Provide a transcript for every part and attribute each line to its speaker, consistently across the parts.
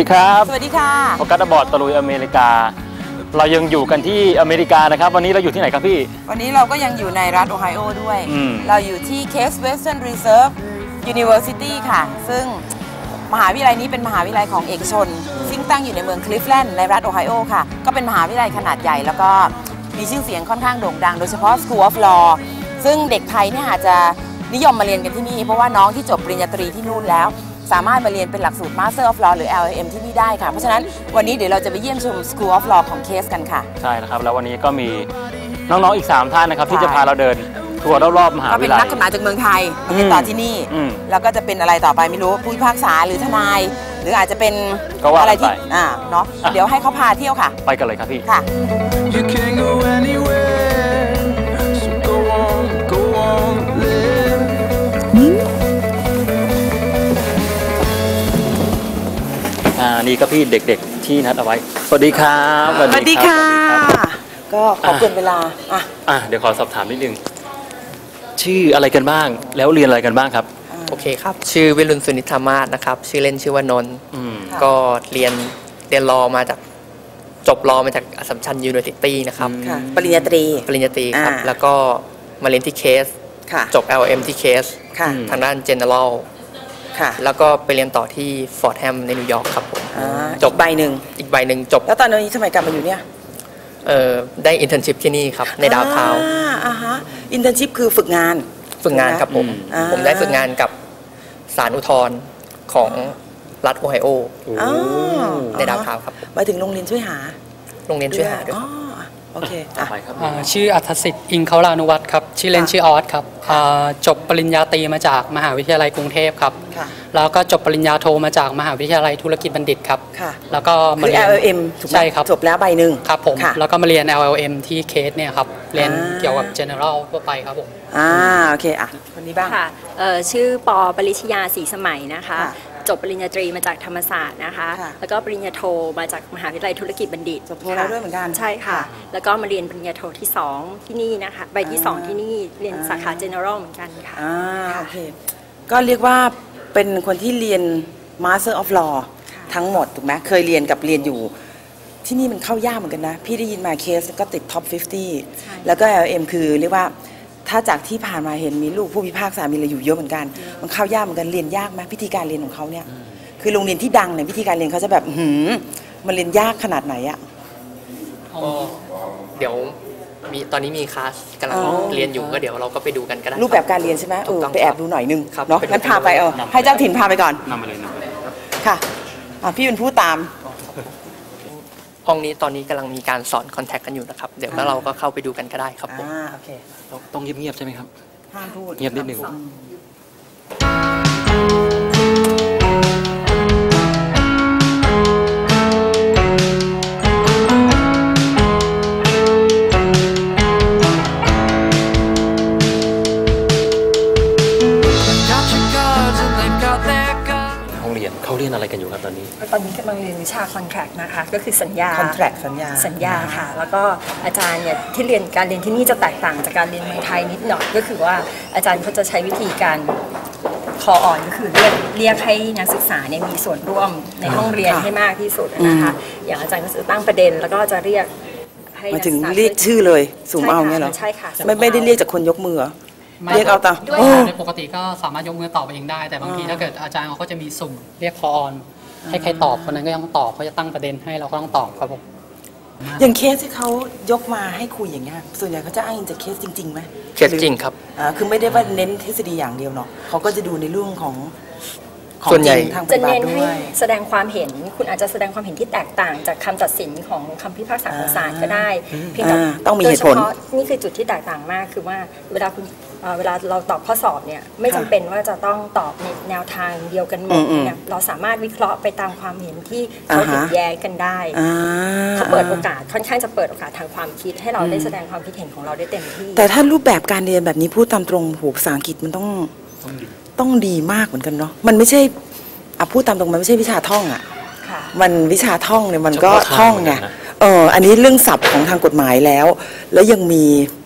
Speaker 1: ครับ
Speaker 2: สวัสดีค่ะ
Speaker 1: โอกาสบอร์ดตะลุยอเมริกาเรายังอยู่กันที่อเมริกานะครับวันนี้เราอยู่ที่ไหนครับพี่
Speaker 2: วันนี้เราก็ยังอยู่ในรัฐโอไฮโอด้วยเราอยู่ที่ Case Western Reserve University ค่ะซึ่งมหาวิทยาลัยนี้เป็นมหาวิทยาลัยของเอกชนซึ่งตั้งอยู่ในเมืองคลิฟแลนด์ในรัฐโอไฮโอค่ะก็เป็นมหาวิทยาลัยขนาดใหญ่แล้วก็มีชื่อเสียงค่อนข้างโด่งดังโดยเฉพาะ School of Law ซึ่งเด็กไทยเนี่ยอาจจะนิยมมาเรียนกันที่นี่เพราะว่าน้องที่จบปริญญาตรีที่นู่นแล้วสามารถมาเรียนเป็นหลักสูตร Master of Law หรือ LLM ที่นี่ได้ค่ะเพราะฉะนั้นวันนี้เดี๋ยวเราจะไปเยี่ยมชม School of Law ของเคสกันค่ะ
Speaker 1: ใช่นะครับแล้ววันนี้ก็มีน้องๆอีก3ท่านนะครับที่จะพาเราเดินทัวร์รอบๆมหาวิทยาลัย
Speaker 2: ก็เป็นนักกฎหมายจากเมืองไทยมาเป็นต่อที่นี่แล้วก็จะเป็นอะไรต่อไปไม่รู้ผู้พิพากษาหรือทนายหรืออาจจะเป็นอะไรที่เนาะเดี๋ยวให้เขาพาเที่ยวค่ะ
Speaker 1: ไปกันเลยครับพี่
Speaker 2: ค่ะ
Speaker 1: นี่ก็พี่เด็กๆที่นัดเอาไว้สวัสดีครับ
Speaker 2: สวัสดีค่ะก็ขอเกินเวลา
Speaker 1: เดี๋ยวขอสอบถามนิดนึงชื่ออะไรกันบ้างแล้วเรียนอะไรกันบ้างครับ
Speaker 3: โอเคครับชื่อวิรุณสุนิธามาศนะครับชื่อเล่นชื่อว่านนท์ก็เรียนรอมาจากจบรอมาจากอัสสัมชัญยูนิเวอร์ซิตี้นะครับ
Speaker 2: ปริญญาตรี
Speaker 3: ครับแล้วก็มาเรียนที่เคสจบ LLM ที่เคสทางด้าน Generalแล้วก็ไปเรียนต่อที่ฟอร์ดแฮมในนิวยอร์กครับผม
Speaker 2: จบอีกใบหนึ่ง
Speaker 3: จบ
Speaker 2: แล้วตอนนี้ทำไมกลับมาอยู่เนี่ย
Speaker 3: ได้อินเทอร์นชิพที่นี่ครับในดาวน์ทาวน์
Speaker 2: อินเทอร์นชิพคือฝึกงาน
Speaker 3: ครับผมได้ฝึกงานกับศาลอุทธรณ์ของรัฐโอไฮโอในดาวน์ทาวน์ครับ
Speaker 2: หมายถึงโรงเรียนช่วยหา
Speaker 3: ด้วย
Speaker 2: โอเค
Speaker 4: ชื่ออัธสิทธิ์อิงเขาลานุวัฒน์ครับชื่อเล่นชื่อออสครับจบปริญญาตรีมาจากมหาวิทยาลัยกรุงเทพครับแล้วก็จบปริญญาโทมาจากมหาวิทยาลัยธุรกิจบัณฑิตครับแล้วก็
Speaker 2: มาเรียน LLM
Speaker 4: ใช่ครับ
Speaker 2: จบแล้วใบหนึ่ง
Speaker 4: ครับผมแล้วก็มาเรียน LLM ที่เคสเนี่ยครับเรียนเกี่ยวกับ General ทั่วไปครับผม
Speaker 2: โอเคคนนี้บ้าง
Speaker 5: ค่ะชื่อปอปริชยาศรีสมัยนะคะจบปริญญาตรีมาจากธรรมศาสตร์นะคะแล้วก็ปริญญาโทมาจากมหาวิทยาลัยธุรกิจบัณฑิต
Speaker 2: จบโทแล้วด้วยเหมือนกัน
Speaker 5: ใช่ค่ะแล้วก็มาเรียนปริญญาโทที่2ที่นี่นะคะใบที่2ที่นี่เรียนสาขา General เหมือนกันค่ะ
Speaker 2: โอเคก็เรียกว่าเป็นคนที่เรียน Master of Law ทั้งหมดถูกไหมเคยเรียนกับเรียนอยู่ที่นี่มันเข้ายากเหมือนกันนะพี่ได้ยินมาเคสก็ติดท็อป 50แล้วก็ LM คือเรียกว่าถ้าจากที่ผ่านมาเห็นมีลูกผู้พิพากษามีอะไรอยู่เยอะเหมือนกันมันเข้ายากเหมือนกันเรียนยากไหมพิธีการเรียนของเขาเนี่ยคือโรงเรียนที่ดังเนี่ยพิธีการเรียนเขาจะแบบมันเรียนยากขนาดไหนอะ
Speaker 3: เดี๋ยวตอนนี้มีคลาสกำลังเรียนอยู่ก็เดี๋ยวเราก็ไปดูกันก็ได้
Speaker 2: รูปแบบการเรียนใช่ไหมไปแอบดูหน่อยนึงเนาะงั้นพาไปให้เจ้าถิ่นพาไปก่อน
Speaker 1: นำไปเลย
Speaker 2: ค่ะพี่เป็นผู้ตาม
Speaker 3: ห้องนี้ตอนนี้กำลังมีการสอนคอนแทคกันอยู่นะครับเดี๋ยวแล้วเราก็เข้าไปดูกันก็ได้ครับผม
Speaker 2: โอเค
Speaker 1: ต้องเงียบๆใช่ไหมครับ
Speaker 2: ห้ามพูด
Speaker 1: เงียบนิดนึงเขาเรียนอะไรกันอยู่ครับตอนนี้
Speaker 5: กำลังเรียนวิชา contract นะคะก็คือสัญญาค่ะแล้วก็อาจารย์เนี่ยที่เรียนการเรียนที่นี่จะแตกต่างจากการเรียนเมืองไทยนิดหน่อยก็คือว่าอาจารย์เขาจะใช้วิธีการคออ่อนก็คือเรียกให้นักศึกษาเนี่ยมีส่วนร่วมในห้องเรียนให้มากที่สุดนะคะอย่างอาจารย์ก็จะตั้งประเด็นแล้วก็จะเรียกให้
Speaker 2: มาถึงเรียกชื่อเลยสุ่มเอาเนี่ยเหรอ
Speaker 5: ใช่ค่ะ
Speaker 2: ไม่ได้เรียกจากคนยกมือเรียกเอาตา
Speaker 4: ในปกติก็สามารถยกมือตอบเองได้แต่บางทีถ้าเกิดอาจารย์เขาก็จะมีสุ่มเรียกคอออนให้ใครตอบคนนั้นก็ต้องตอบเขาจะตั้งประเด็นให้เราก็ต้องตอบครับผม
Speaker 2: อย่างเคสที่เขายกมาให้คุยอย่างเงี้ยส่วนใหญ่เขาจะอ้างอิงจากเคสจริงๆไหม
Speaker 3: เคสจริงครับ
Speaker 2: คือไม่ได้ว่าเน้นทฤษฎีอย่างเดียวเนาะเขาก็จะดูในเรื่องของ
Speaker 3: ส่วนใหญ่
Speaker 5: จะเน้นให้แสดงความเห็นคุณอาจจะแสดงความเห็นที่แตกต่างจากคำตัดสินของคำพิพากษาของศาลก็ได้
Speaker 2: เพียงแต่ต้องมีเหตุผล
Speaker 5: นี่คือจุดที่แตกต่างมากคือว่าเวลาเราตอบข้อสอบเนี่ยไม่จำเป็นว่าจะต้องตอบในแนวทางเดียวกันหมดเนี่ยเราสามารถวิเคราะห์ไปตามความเห็นที่เขาเห็นแย้งกันได้เขาเปิดโอกาสค่อนข้างจะเปิดโอกาสทางความคิดให้เราได้แสดงความคิดเห็นของเราได้เต็มที่
Speaker 2: แต่ถ้ารูปแบบการเรียนแบบนี้พูดตามตรงภาษาอังกฤษมันต้องดีมากเหมือนกันเนาะมันไม่ใช่พูดตามตรงมันไม่ใช่วิชาท่องมันวิชาท่องเนี่ยมันก็ท่องไงอันนี้เรื่องศัพท์ของทางกฎหมายแล้วยังมี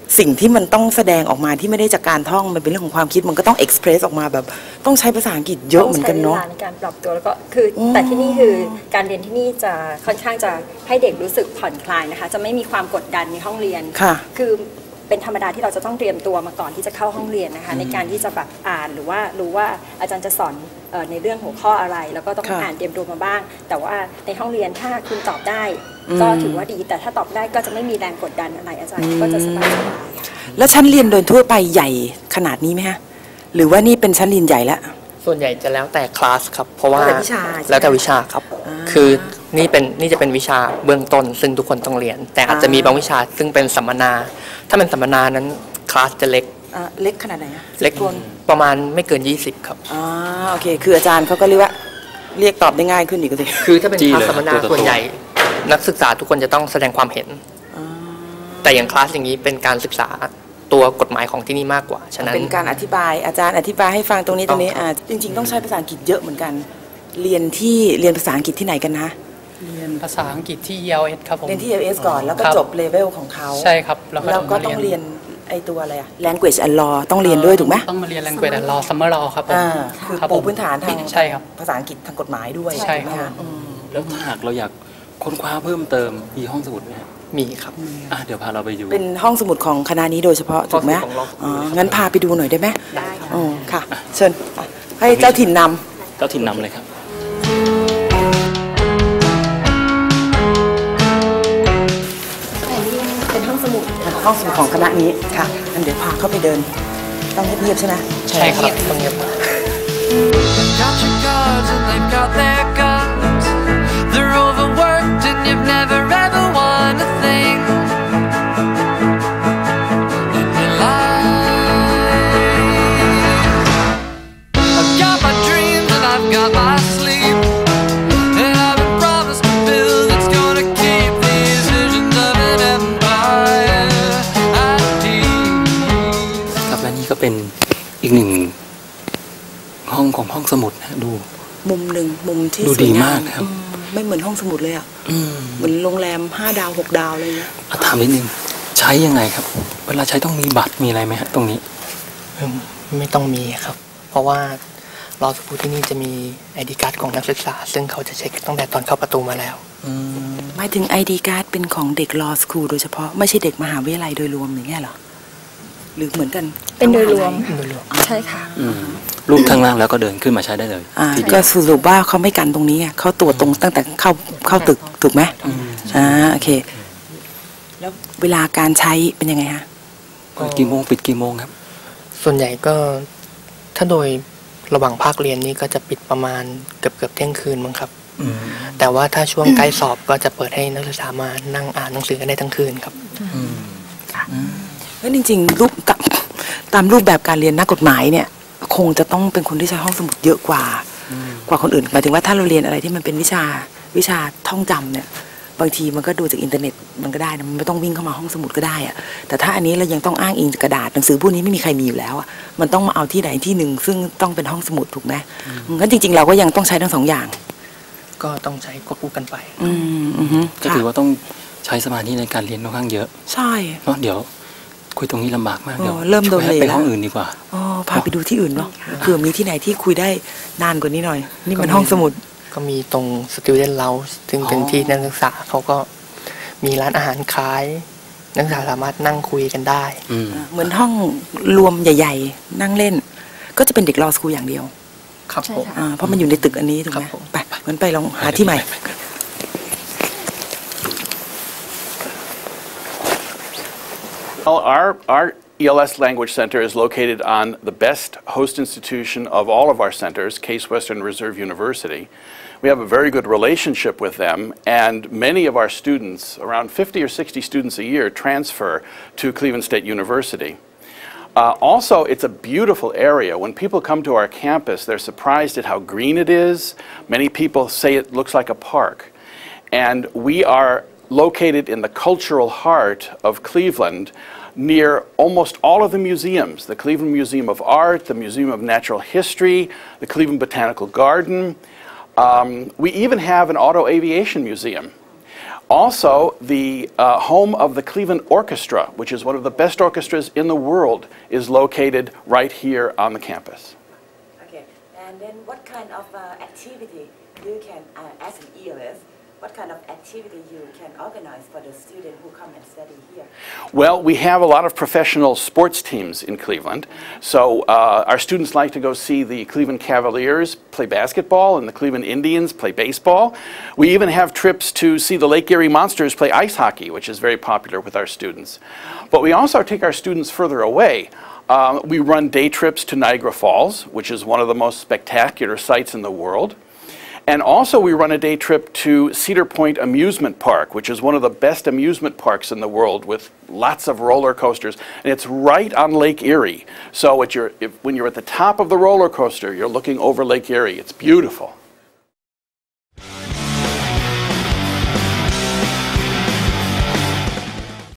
Speaker 2: สิ่งที่มันต้องแสดงออกมาที่ไม่ได้จากการท่องมันเป็นเรื่องของความคิดมันก็ต้องเอ็กซ์เพรสออกมาแบบต้องใช้ภาษาอังกฤษเยอะเหมือนกันเนาะ
Speaker 5: ต้องใช้เวลาในการปรับตัวแล้วก็คือแต่ที่นี่คือการเรียนที่นี่จะค่อนข้างจะให้เด็กรู้สึกผ่อนคลายนะคะจะไม่มีความกดดันในห้องเรียน
Speaker 2: ค่ะ
Speaker 5: คือเป็นธรรมดาที่เราจะต้องเตรียมตัวมาก่อนที่จะเข้าห้องเรียนนะคะในการที่จะแบบอ่านหรือว่ารู้ว่าอาจารย์จะสอนในเรื่องหัวข้ออะไร แล้วก็ต้องอ่านเตรียมตัวมาบ้าง แต่ว่าในห้องเรียนถ้าคุณตอบได้ก็ถือว่าดีแต่ถ้าตอบได้ก็จะไม่มีแรงกดดันอะไรอาจารย์ก็จะสบายๆ
Speaker 2: แล้วชั้นเรียนโดยทั่วไปใหญ่ขนาดนี้ไหมฮะหรือว่านี่เป็นชั้นเรียนใหญ่แล้ว
Speaker 3: ส่วนใหญ่จะแล้วแต่คลาสครับเพราะว่า
Speaker 2: แล้วแต่วิชา
Speaker 3: แล้วแต่วิชาครับคือนี่จะเป็นวิชาเบื้องต้นซึ่งทุกคนต้องเรียน แต่อาจจะมีบางวิชาซึ่งเป็นสัมมนาถ้าเป็นสัมมนานั้นคลาสจะเล็ก
Speaker 2: เล็กขนาดไหนอะ
Speaker 3: เล็ก
Speaker 2: คน
Speaker 3: ประมาณไม่เกิน 20 ครับ
Speaker 2: โอเคคืออาจารย์เขาก็เรียกว่าเรียกตอบได้ง่ายขึ้นอีกสิ
Speaker 3: คือถ้าเป็นคลาสสัมมนา
Speaker 1: ตัวต่อตัว
Speaker 3: ส่วนใหญ่นักศึกษาทุกคนจะต้องแสดงความเห็นแต่อย่างคลาสอย่างนี้เป็นการศึกษาตัวกฎหมายของที่นี่มากกว่าฉะนั้น
Speaker 2: เป็นการอธิบายอาจารย์อธิบายให้ฟังตรงนี้ตรงนี้จริง ๆต้องใช้ภาษาอังกฤษเยอะเหมือนกันเรียนภาษาอังกฤษที่ไหนกันนะ
Speaker 4: เรียนภาษาอังกฤษที่ ELS ครับผม
Speaker 2: เรียนที่ LS ก่อนแล้วก็
Speaker 4: ครับ
Speaker 2: จบเลเวลของเขา
Speaker 4: ใช่ครับแล้ว
Speaker 2: แล้วก็
Speaker 4: มา
Speaker 2: ต้องเรียนไอตัวอะไรอะ language and law ต้องเรียนด้วยถูกไหม
Speaker 4: ต้องมาเรียน language and law summer law ครับผม
Speaker 2: คือ
Speaker 4: ครับ
Speaker 2: ปู
Speaker 4: ผม
Speaker 2: พื้นฐานทาง
Speaker 4: ใช่ครับ
Speaker 2: ภาษาอังกฤษทางกฎหมายด้วย
Speaker 4: ใช่
Speaker 2: ไหม
Speaker 4: ครับ
Speaker 2: คะ
Speaker 1: แล้วถ้าหากเราอยากค้นคว้าเพิ่มเติมมีห้องสมุดไหมฮะ
Speaker 3: มีครับ
Speaker 1: เดี๋ยวพาเราไปดู
Speaker 2: เป็นห้องสมุดของคณะนี้โดยเฉพาะถูกไหม
Speaker 3: ห้องสมุดของเรา
Speaker 2: งั้นพาไปดูหน่อยได้ไหม
Speaker 5: ได้ค่ะ
Speaker 2: ค่ะ เชิญให้เจ้าถิ่นนำ
Speaker 1: เจ้าถิ่นนำเลยครับ
Speaker 5: เป็นห้องสมุด
Speaker 2: ห้องสมุดของคณะนี้ค่ะงั้นเดี๋ยวพาเข้าไปเดิน ต้องเงียบๆใช่ไหม
Speaker 3: ใช่ครับต้องเงียบ
Speaker 6: Got your cards and they've got their guns. They're overworked and you've never ever won a thing in your life. I've got my dreams and I've got my sleep, and I've been promised a bill that's gonna keep these visions of an empire at peace.
Speaker 1: ครับและนี่ก็เป็นอีกหนึ่งห้องของห้องสมุดนะดู
Speaker 2: มุมหนึ่งมุมที่
Speaker 1: ดู
Speaker 2: สวย
Speaker 1: ดี
Speaker 2: ง
Speaker 1: มากครับ
Speaker 2: ไม่เหมือนห้องสมุดเลยอ่ะเหมือนโรงแรม5 ดาว 6 ดาวเลยนะ
Speaker 1: ถามนิดนึงใช้ยังไงครับ เวลาใช้ต้องมีบัตรมีอะไรไหมฮะตรงนี้
Speaker 3: ไม่ต้องมีครับ เพราะว่าเราสปูที่นี่จะมี ID card ของนักศึกษา ซึ่งเขาจะเช็คตั้งแต่ตอนเข้าประตูมาแล้ว
Speaker 2: หมายถึง ID card เป็นของเด็ก law school โดยเฉพาะไม่ใช่เด็กมหาวิทยาลัยโดยรวมอย่างเงี้ยเหรอหรือเหมือนกัน
Speaker 5: เป็นโดยรวม
Speaker 3: โดยรวม
Speaker 5: ใช่ค่ะ
Speaker 1: รูปข้างล่างแล้วก็เดินขึ้นมาใช้ได้เลยทีเดี
Speaker 2: ก็
Speaker 1: ยว
Speaker 2: สรุปว่าเขาไม่กันตรงนี้ไงเขาตรวจตรงตั้งแต่เข้าตึกถูกไหมโอเค แล้วเวลาการใช้เป็นยังไงฮะ
Speaker 1: เปิดกี่โมงปิดกี่โมงครับ
Speaker 3: ส่วนใหญ่ก็ถ้าโดยระหว่างภาคเรียนนี่ก็จะปิดประมาณเกือบเที่ยงคืนมั้งครับ แต่ว่าถ้าช่วงใกล้สอบก็จะเปิดให้นักศึกษามานั่งอ่านหนังสือกันได้ทั้งคืนครับ
Speaker 2: แล้วจริงๆตามรูปแบบการเรียนนักกฎหมายเนี่ย คงจะต้องเป็นคนที่ใช้ห้องสมุดเยอะกว่าคนอื่นหมายถึงว่าถ้าเราเรียนอะไรที่มันเป็นวิชาท่องจำเนี่ย บางทีมันก็ดูจากอินเทอร์เน็ตมันก็ได้นะมันไม่ต้องวิ่งเข้ามาห้องสมุดก็ได้อะแต่ถ้าอันนี้เรายังต้องอ้างอิงจากกระดาษหนังสือพวกนี้ไม่มีใครมีอยู่แล้วอะมันต้องมาเอาที่ไหนที่หนึ่งซึ่งต้องเป็นห้องสมุดถูกไหมงั้นจริงๆเราก็ยังต้องใช้ทั้งสองอย่าง
Speaker 3: ก็ต้องใช้ควบคู่กันไป
Speaker 1: ก็ถือว่าต้องใช้สมาธิในการเรียนค่อนข้างเยอะ
Speaker 2: ใช่
Speaker 1: เนาะเดี๋ยวคุยตรงนี้ลำบากมากเดี๋ยว
Speaker 2: เริ่มโดนเลย
Speaker 1: ไปห้องอื่นดีกว่า
Speaker 2: พาไปดูที่อื่นเนาะเผื่อมีที่ไหนที่คุยได้นานกว่านี้หน่อย นี่มันห้องสมุด
Speaker 3: ก็มีตรง Student Lounge ซึ่งเป็นที่นักศึกษาเขาก็มีร้านอาหารขายนักศึกษาสามารถนั่งคุยกันได้
Speaker 2: เหมือนห้องรวมใหญ่ๆ นั่งเล่น ก็จะเป็นเด็กรอสคูลอย่างเดียว
Speaker 3: ครับผม
Speaker 2: เพราะมันอยู่ในตึกอันนี้ถูกไหม
Speaker 3: ครับผม
Speaker 2: ไปงั้นไปลองหาที่ใหม่
Speaker 7: Well, our ELS Language Center is located on the best host institution of all of our centers, Case Western Reserve University. We have a very good relationship with them, and many of our students, around 50 or 60 students a year, transfer to Cleveland State University. Also, it's a beautiful area. When people come to our campus, they're surprised at how green it is. Many people say it looks like a park. And we are located in the cultural heart of Cleveland, near almost all of the museums, the Cleveland Museum of Art, the Museum of Natural History, the Cleveland Botanical Garden. We even have an auto aviation museum. Also, the home of the Cleveland Orchestra, which is one of the best orchestras in the world, is located right here on the campus.
Speaker 2: Okay, and then what kind of activity you can, as an ELS, what kind of activity you can organize for the student who come and study here?
Speaker 7: Well, we have a lot of professional sports teams in Cleveland. So our students like to go see the Cleveland Cavaliers play basketball and the Cleveland Indians play baseball. We even have trips to see the Lake Erie Monsters play ice hockey, which is very popular with our students. But we also take our students further away. We run day trips to Niagara Falls, which is one of the most spectacular sites in the world. And also we run a day trip to Cedar Point Amusement Park, which is one of the best amusement parks in the world with lots of roller coasters. And it's right on Lake Erie. So when you're at the top of the roller coaster, you're looking over Lake Erie. It's beautiful.